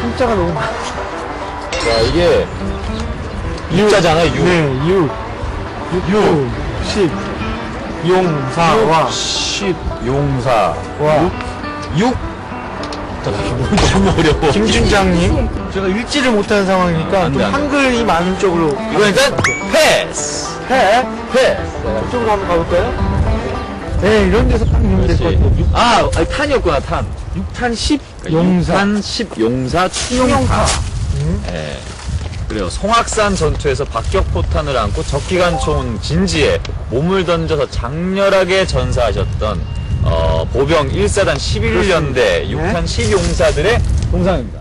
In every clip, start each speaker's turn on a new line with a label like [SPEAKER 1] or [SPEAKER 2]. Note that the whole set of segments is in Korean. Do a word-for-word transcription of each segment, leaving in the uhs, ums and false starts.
[SPEAKER 1] 한자가 너무 많아.
[SPEAKER 2] 자, 이게 육자잖아, 육.
[SPEAKER 1] 네, 육. 육. 십. 용사와.
[SPEAKER 2] 십, 용사.
[SPEAKER 1] 와.
[SPEAKER 2] 육. 육. 좀 어려워.
[SPEAKER 1] 김준장님, 제가 읽지를 못하는 상황이니까
[SPEAKER 2] 안 돼,
[SPEAKER 1] 좀
[SPEAKER 2] 안 돼.
[SPEAKER 1] 한글이 많은 쪽으로.
[SPEAKER 2] 이거 일단 패스.
[SPEAKER 1] 해.
[SPEAKER 2] 패스.
[SPEAKER 1] 저쪽으로 한번 가볼까요? 네, 이런 데서 딱 읽으면 될 것 같아요. 육,
[SPEAKER 2] 아, 아니, 탄이었구나, 탄.
[SPEAKER 1] 육탄 십.
[SPEAKER 2] 그러니까
[SPEAKER 1] 용사.
[SPEAKER 2] 육탄 십 용사 충용파.
[SPEAKER 1] 음.
[SPEAKER 2] 예. 그래요. 송악산 전투에서 박격포탄을 안고 적기관총 진지에 몸을 던져서 장렬하게 전사하셨던 어, 보병 일 사단 십일 연대 육탄 십 용사들의 동상입니다.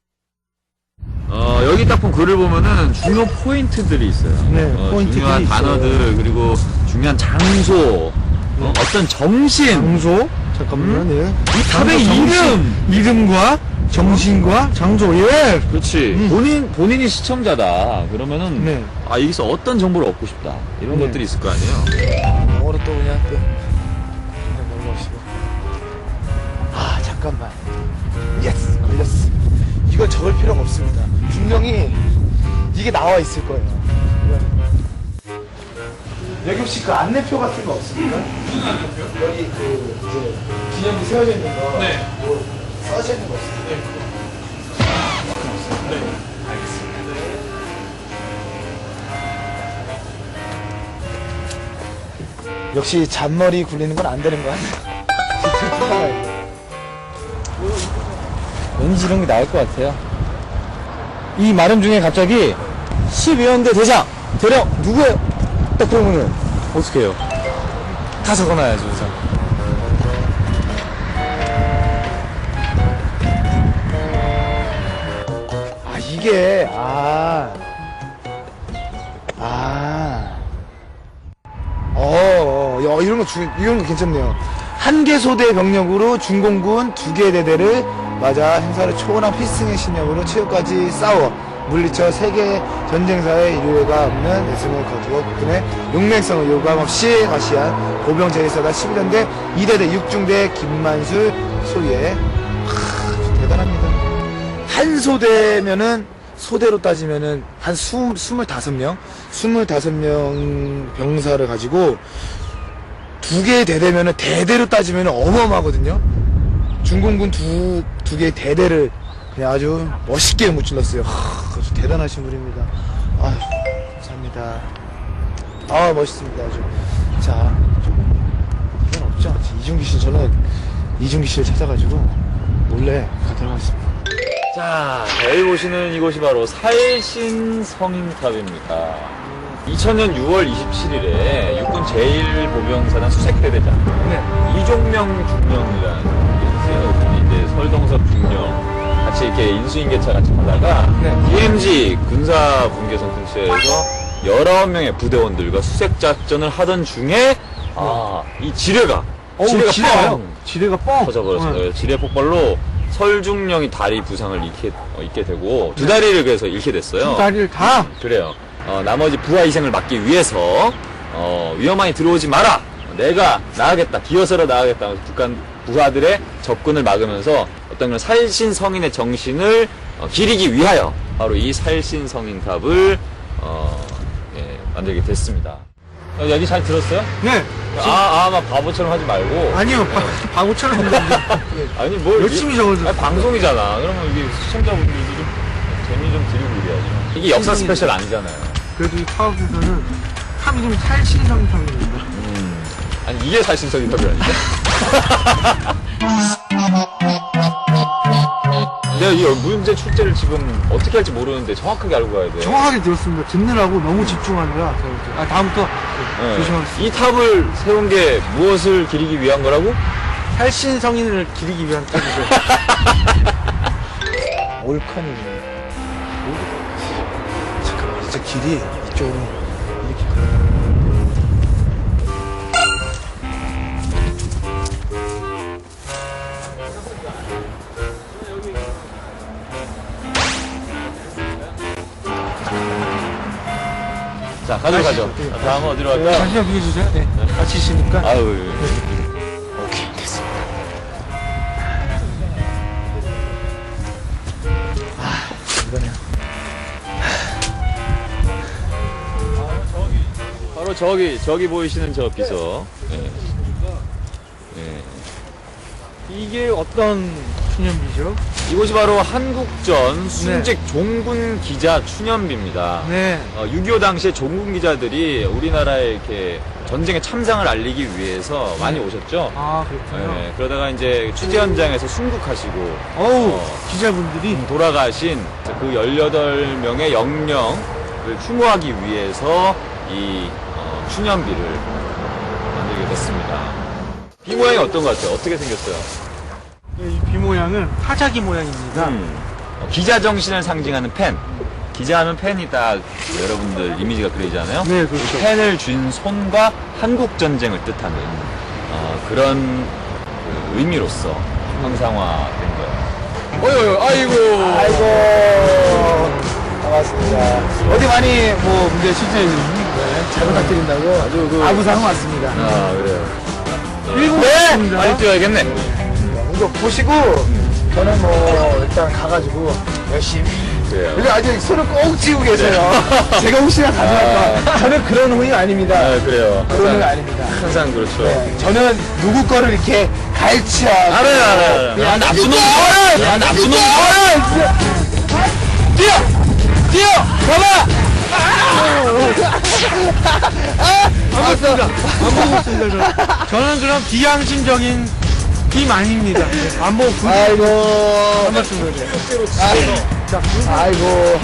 [SPEAKER 2] 어, 여기 딱 본 글을 보면은 중요 포인트들이 있어요.
[SPEAKER 1] 네,
[SPEAKER 2] 어,
[SPEAKER 1] 포인트들이
[SPEAKER 2] 중요한
[SPEAKER 1] 있어요.
[SPEAKER 2] 단어들, 그리고 중요한 장소, 어, 어떤 정신,
[SPEAKER 1] 장소? 잠깐만요,
[SPEAKER 2] 음?
[SPEAKER 1] 네.
[SPEAKER 2] 이 탑의
[SPEAKER 1] 장소, 정신,
[SPEAKER 2] 이름!
[SPEAKER 1] 이름과 정신과 장소, 예!
[SPEAKER 2] 그렇지.
[SPEAKER 1] 음.
[SPEAKER 2] 본인, 본인이 시청자다. 그러면은,
[SPEAKER 1] 네.
[SPEAKER 2] 아, 여기서 어떤 정보를 얻고 싶다. 이런
[SPEAKER 1] 네.
[SPEAKER 2] 것들이 있을 거 아니에요.
[SPEAKER 1] 영어로 또 그냥 또 그냥 넘어가시고. 아 잠깐만. 예스 걸렸어. 이건 적을 필요가 없습니다. 분명히 이게 나와 있을 거예요. 여기 혹시 그 안내표 같은 거 없습니까? 여기 그 이제 기념비 세워져 있는 거. 네. 뭐 써져 있는 거 없습니까? 네. 네. 알겠습니다. 역시 잔머리 굴리는 건 안 되는 거 같아요. 왠지 이런 게 나을 것 같아요. 이 말음 중에 갑자기 십이 연대 대장 대령 누구예요? 딱 그러면은
[SPEAKER 2] 어떻게 해요?
[SPEAKER 1] 다 적어놔야죠 우선. 아 이게 아 아. 어, 어, 이런 거 주, 이런 거 괜찮네요. 한 개 소대 병력으로 중공군 두 개 대대를 맞아 행사를 초월한 필승의 신념으로 최후까지 싸워 물리쳐 세계 전쟁사의 인류애가 없는 애승을 거두어 국군의 용맹성을 요감없이 과시한 보병 제일사단 십일 연대 이 대대 육 중대 김만술 소위에 하, 대단합니다. 한 소대면은 소대로 따지면은 한 수, 스물다섯 명? 스물다섯 명 병사를 가지고 두 개의 대대면은 대대로 따지면은 어마어마하거든요? 중공군 두, 두 개의 대대를 그냥 아주 멋있게 무찔렀어요. 하, 아주 대단하신 분입니다. 아유, 감사합니다. 아, 멋있습니다. 아주. 자, 이건 없죠. 이중기 씨, 저는 이중기 씨를 찾아가지고 몰래 가도록 하겠습니다.
[SPEAKER 2] 자, 여기 보시는 이곳이 바로 살신성인탑입니다. 이천 년 유월 이십칠일에 육군 제일 보병사단 수색대대장
[SPEAKER 1] 네.
[SPEAKER 2] 이종명 중령이라는 분이 있어요. 이제 설동섭 중령 같이 이렇게 인수인계차 같이 하다가
[SPEAKER 1] 네.
[SPEAKER 2] 디엠지 군사 분계선 근처에서 열아홉 명의 부대원들과 수색 작전을 하던 중에 아, 이 지뢰가 지뢰가
[SPEAKER 1] 지뢰가요?
[SPEAKER 2] 뻥
[SPEAKER 1] 지뢰가 뻥!
[SPEAKER 2] 터져버렸어요.
[SPEAKER 1] 네.
[SPEAKER 2] 지뢰 폭발로 설중령이 다리 부상을 잃게, 어, 입게 되고 두 다리를 그래서 잃게 됐어요.
[SPEAKER 1] 두 다리를 다?
[SPEAKER 2] 그래요. 어, 나머지 부하 희생을 막기 위해서 어, 위험하니 들어오지 마라. 내가 나가겠다. 기어서라 나가겠다. 북한 부하들의 접근을 막으면서 어떤 그런 살신성인의 정신을 어, 기리기 위하여 바로 이 살신성인탑을 어, 예, 만들게 됐습니다. 어, 여기 잘 들었어요?
[SPEAKER 1] 네.
[SPEAKER 2] 아, 아, 막 바보처럼 하지 말고.
[SPEAKER 1] 아니요, 바, 바보처럼 했는데.
[SPEAKER 2] 아니, 뭘.
[SPEAKER 1] 열심히
[SPEAKER 2] 이-
[SPEAKER 1] 적어줬어요.
[SPEAKER 2] 아니, 방송이잖아. 그러면 이게 시청자분들도 좀 재미 좀 드리고 이래야죠. 이게 역사 스페셜 아니잖아요.
[SPEAKER 1] 그래도 이 파업에서는 탑 이름이 탈신성탑입니다.
[SPEAKER 2] 음. 아니, 이게 살신성인 탑이 아닌데? 내가 이 문제 출제를 지금 어떻게 할지 모르는데 정확하게 알고 가야 돼.
[SPEAKER 1] 정확하게 들었습니다. 듣느라고 너무 집중하느라. 제가 아, 다음부터
[SPEAKER 2] 네.
[SPEAKER 1] 조심하겠습니다.
[SPEAKER 2] 이 탑을 세운 게 무엇을 기리기 위한 거라고?
[SPEAKER 1] 탈신성인을 기리기 위한 탑이죠. 올컨입니다. 잠깐만, 진짜 길이 이쪽으로 이렇게 가요.
[SPEAKER 2] 자, 가죠, 가죠.
[SPEAKER 1] 네.
[SPEAKER 2] 자, 다음은 어디로 갈까요?
[SPEAKER 1] 잠시만 비켜주세요. 네. 같이 있으니까.
[SPEAKER 2] 아유.
[SPEAKER 1] 오케이, 됐습니다. 이거네요.
[SPEAKER 2] 바로 저기 저기 보이시는 저 비서. 예. 예.
[SPEAKER 3] 이게 어떤 추념비죠?
[SPEAKER 2] 이곳이 바로 한국전 순직 종군 기자 추념비입니다.
[SPEAKER 3] 네.
[SPEAKER 2] 어, 육이오 당시에 종군 기자들이 우리나라에 이렇게 전쟁에 참상을 알리기 위해서 많이 오셨죠.
[SPEAKER 3] 아, 그렇군요.
[SPEAKER 2] 예, 그러다가 이제 취재 현장에서 순국하시고
[SPEAKER 3] 어우,
[SPEAKER 2] 어,
[SPEAKER 3] 기자분들이.
[SPEAKER 2] 돌아가신 그 열여덟 명의 영령을 추모하기 위해서 이 어, 추념비를 만들게 됐습니다. 비 모양이 어떤 것 같아요? 어떻게 생겼어요?
[SPEAKER 3] 이 비 모양은 타자기 모양입니다.
[SPEAKER 2] 음, 어, 기자 정신을 상징하는 펜. 기자하면 펜이 딱 여러분들 이미지가 그리잖아요.
[SPEAKER 3] 네, 그렇죠.
[SPEAKER 2] 이 펜을 쥔 손과 한국 전쟁을 뜻하는 어, 그런 그 의미로서 형상화된 거예요. 어이, 어이, 아이고.
[SPEAKER 1] 아이고 반갑습니다. 어디 많이 뭐 문제 출전해 주시는 잘 부탁드린다고
[SPEAKER 2] 아주 그-
[SPEAKER 1] 아부상 왔습니다.
[SPEAKER 2] 아, 그래요.
[SPEAKER 3] 일곱
[SPEAKER 1] 네!
[SPEAKER 3] 분입니다.
[SPEAKER 2] 빨리 뛰어야겠네.
[SPEAKER 1] 이거 보시고 저는 뭐 일단 가가지고 열심히.
[SPEAKER 2] 그래요.
[SPEAKER 1] 근데 아직 손을 꼭 쥐고 계세요. 제가 혹시나 가져갈까. 저는 그런 후임 아닙니다.
[SPEAKER 2] 아, 그래요.
[SPEAKER 1] 그런 후임
[SPEAKER 2] 항상,
[SPEAKER 1] 아닙니다.
[SPEAKER 2] 항상 그렇죠.
[SPEAKER 1] 네, 저는 누구 거를 이렇게 갈치하고.
[SPEAKER 2] 알아요, 알아요, 알아요. 야, 납수놈! 야, 납수놈!
[SPEAKER 1] 뛰어! 뛰어! 가봐!
[SPEAKER 3] 안 먹습니다. 안 먹었습니다. 저는. 저는 그럼 비양심적인 팀 아닙니다. 네, 안 먹고 군.
[SPEAKER 1] 아이고.
[SPEAKER 3] 안 먹습니다. 자,
[SPEAKER 1] 아이고.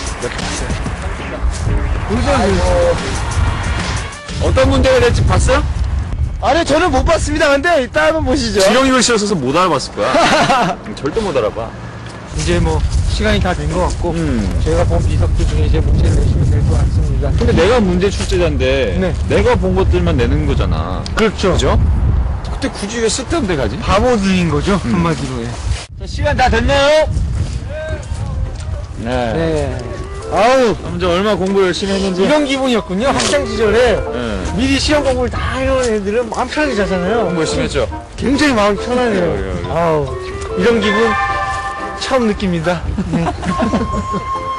[SPEAKER 1] 아이고.
[SPEAKER 2] 어떤 문제가 될지 봤어요?
[SPEAKER 1] 아니, 저는 못 봤습니다. 근데 이따 한번 보시죠.
[SPEAKER 2] 지렁이 글씨였어서 못 알아봤을 거야. 절대 못 알아봐.
[SPEAKER 3] 이제 뭐 시간이 다 된 것 같고
[SPEAKER 2] 음.
[SPEAKER 3] 제가 본 비석들 중에 이제 문제를 내시면 될 것 같습니다.
[SPEAKER 2] 근데 내가 문제 출제자인데
[SPEAKER 3] 네.
[SPEAKER 2] 내가 본 것들만 내는 거잖아.
[SPEAKER 3] 그렇죠.
[SPEAKER 2] 그죠? 그때 굳이 왜 쓸데없는 데 가지?
[SPEAKER 3] 바보들인 거죠 한마디로. 예.
[SPEAKER 2] 자, 시간 다 됐나요? 네.
[SPEAKER 3] 네. 아우
[SPEAKER 2] 먼저 얼마 공부 열심히 했는지.
[SPEAKER 3] 이런 기분이었군요. 학창 시절에
[SPEAKER 2] 네.
[SPEAKER 3] 미리 시험 공부를 다 해놓은 애들은 마음 편하게 자잖아요.
[SPEAKER 2] 공부 열심히 했죠?
[SPEAKER 3] 굉장히 마음이 편하네요.
[SPEAKER 2] 그래요, 그래요.
[SPEAKER 3] 아우 이런 기분 처음 느낍니다. 네.